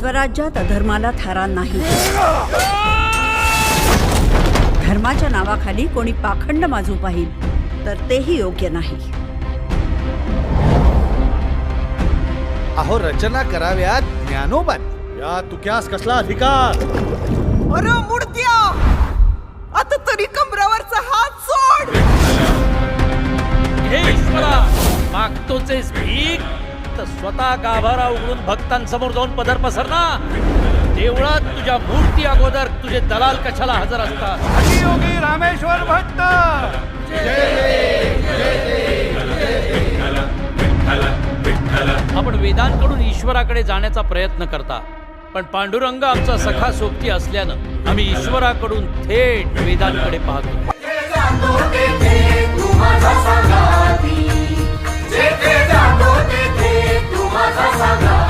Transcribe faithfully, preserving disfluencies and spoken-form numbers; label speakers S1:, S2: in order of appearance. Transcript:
S1: स्वराज्यात अधर्माला थारा नाही। धर्माच्या नावाखाली कोणी पाखंड माजू पाहिल तर तेही योग्य नाही।
S2: अहो रचना कराव्यात ज्ञानोबांनी।
S3: या तुक्यास कसला अधिकार?
S4: अरे मुडद्या, आता तरी कमरावरचा हात सोड।
S5: हे ईश्वरा, मागतोचेस भीक तर स्वतः गाभारा उघडून भक्तांसमोर जाऊन पदर पसरना। देवळात तुझ्या मूर्ती अगोदर तुझे दलाल कशाला हजर असतात?
S3: योगी रामेश्वर भट्ट
S5: आपण वेदांकडून ईश्वराकडे जाण्याचा प्रयत्न करता, पण पांडुरंग आमचा सखा सोबती असल्यानं आम्ही ईश्वराकडून थेट वेदांकडे पाहतो।
S6: जेथे जातो तेथे तू माझा सांगा।